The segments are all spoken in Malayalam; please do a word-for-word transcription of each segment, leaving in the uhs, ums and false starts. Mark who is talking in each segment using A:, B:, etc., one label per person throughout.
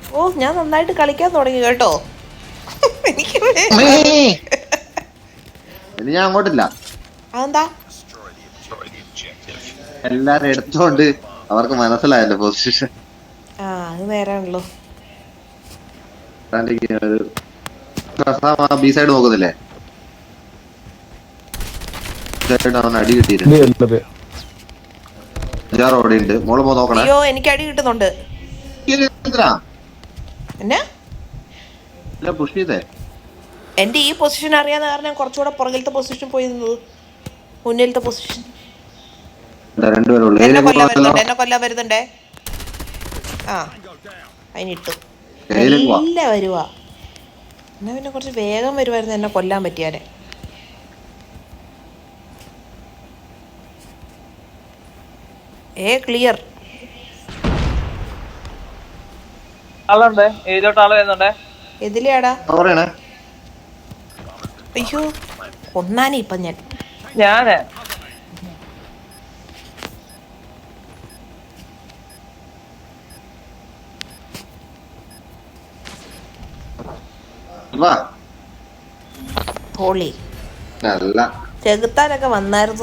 A: ഓ ഞാൻ നന്നായിട്ട് കളിക്കാൻ തുടങ്ങി കേട്ടോ. എനിക്ക്
B: ഞാൻ അങ്ങോട്ടില്ല.
A: അതെന്താ?
B: എല്ലാരും എടുത്തോണ്ട് അവർക്ക് മനസ്സിലായല്ലോ പൊസിഷൻ.
A: ആ അത് നേരാണല്ലോ.
B: B side നോക്കുന്നില്ലേ? അവൻ അടി കിട്ടിയിട്ടുണ്ട്. അഞ്ചാറ് ഓടി ഉണ്ട്. മോള് പോ നോക്കണേ.
A: അയ്യോ എനിക്ക് അടി കിട്ടുന്നുണ്ട്. എന്നാ
B: പുഷ് ചെയ്തേ.
A: എന്റെ ഈ പൊസിഷൻ അറിയാവുന്ന കാരണം കുറച്ചുകൂടെ പുറകിലത്തെ പൊസിഷൻ പോയി നിന്നത്. മുന്നിലത്തെ പൊസിഷൻ. എന്നെ കൊല്ലാൻ വരുന്നുണ്ട്, എന്നെ കൊല്ലാൻ വരുന്നുണ്ടേ. ആ അതിനിട്ടു. നല്ല വരുവാ. എന്നാ പിന്നെ കുറച്ച് വേഗം വരുമായിരുന്നു എന്നെ കൊല്ലാൻ പറ്റിയാലേ. ഏ ക്ലിയർ.
C: ആളുണ്ട്, ഏതിലോട്ട് ആള് വരുന്നുണ്ടേ.
A: എതിലെയാടാ? അയ്യോ കൊന്നാനേ ഇപ്പൊ ഞാൻ.
C: ഞാന്
A: ഹോളി ചെകുത്താനൊക്കെ വന്നായിരുന്നു.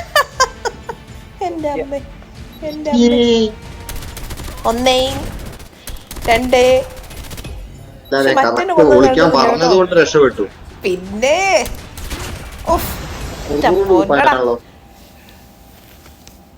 A: എന്റെ അമ്മ എന്റെ അമ്മ. ഒന്നേ രണ്ടേ.
B: രക്ഷപ്പെട്ടു.
A: പിന്നെ